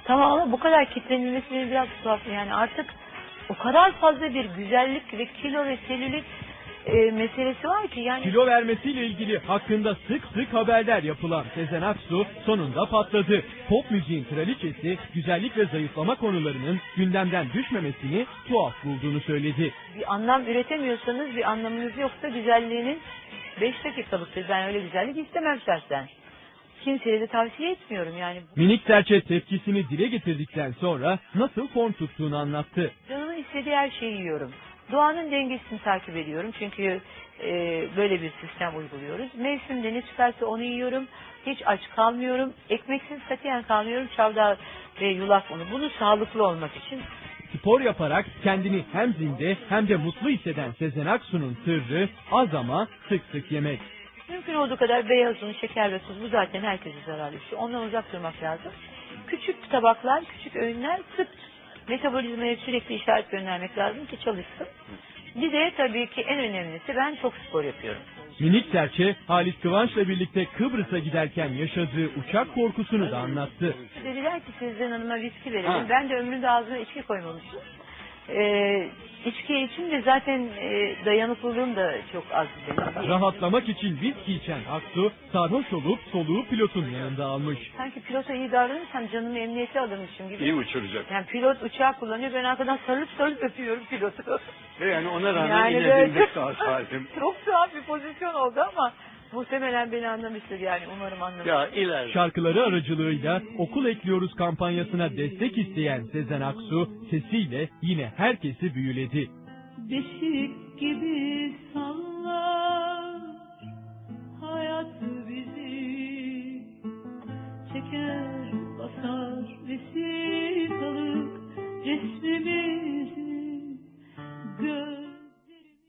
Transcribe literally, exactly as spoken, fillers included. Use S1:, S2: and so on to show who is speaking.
S1: Tamam ama bu kadar kitlenilmesi beni biraz tuhaf. Yani artık o kadar fazla bir güzellik ve kilo ve selülit e, meselesi var ki yani.
S2: Kilo vermesiyle ilgili hakkında sık sık haberler yapılan Sezen Aksu sonunda patladı. Pop müziğin kraliçesi güzellik ve zayıflama konularının gündemden düşmemesini tuhaf bulduğunu söyledi.
S1: Bir anlam üretemiyorsanız, bir anlamınız yoksa güzelliğinin beş dakikalıktır. Ben öyle güzellik istemem şahsen. Kimseye de tavsiye etmiyorum yani.
S2: Minik serçe tepkisini dile getirdikten sonra nasıl form tuttuğunu anlattı.
S1: Canımın istediği her şeyi yiyorum. Doğanın dengesini takip ediyorum çünkü e, böyle bir sistem uyguluyoruz. Mevsimde ne çıkarsa onu yiyorum. Hiç aç kalmıyorum. Ekmeksiz katiyen kalmıyorum. Çavdar ve yulaf unu. Bunu sağlıklı olmak için.
S2: Spor yaparak kendini hem zinde hem de mutlu hisseden Sezen Aksu'nun sırrı az ama sık sık yemek.
S1: Mümkün olduğu kadar beyaz un, şeker ve tuz, bu zaten herkese zararlı bir şey. Ondan uzak durmak lazım. Küçük tabaklar, küçük öğünler, sık metabolizmaya sürekli işaret göndermek lazım ki çalışsın. Bir de tabii ki en önemlisi, ben çok spor yapıyorum.
S2: Minik serçe Halit Kıvanç'la birlikte Kıbrıs'a giderken yaşadığı uçak korkusunu da anlattı.
S1: Dediler ki Sezen Hanım'a viski verelim.
S3: Ha.
S1: Ben de ömrümde ağzına içki koymamışım. Ee, içki için de zaten e, dayanıklılığım da çok az benim.
S2: Rahatlamak için viski içen Aksu sarhoş olup soluğu pilotun yanında almış.
S1: Sanki pilota iyi davranırsam canımı emniyete alırmışım gibi.
S3: İyi uçuracak.
S1: Yani pilot uçağı kullanıyor, ben arkadan sarılıp sarılıp öpüyorum pilotu.
S3: Ve yani ona rağmen
S1: Yani
S3: yine
S1: böyle-
S3: dimdik sağ salim.
S1: Çok tuhaf bir pozisyon oldu ama muhtemelen beni anlamıştır yani, umarım anlamıştır.
S3: Ya ileride.
S2: Şarkıları aracılığıyla Okul Ekliyoruz kampanyasına destek isteyen Sezen Aksu sesiyle yine herkesi büyüledi.
S4: Beşik gibi sallar hayat bizi, çeker basar vesikalık resmi.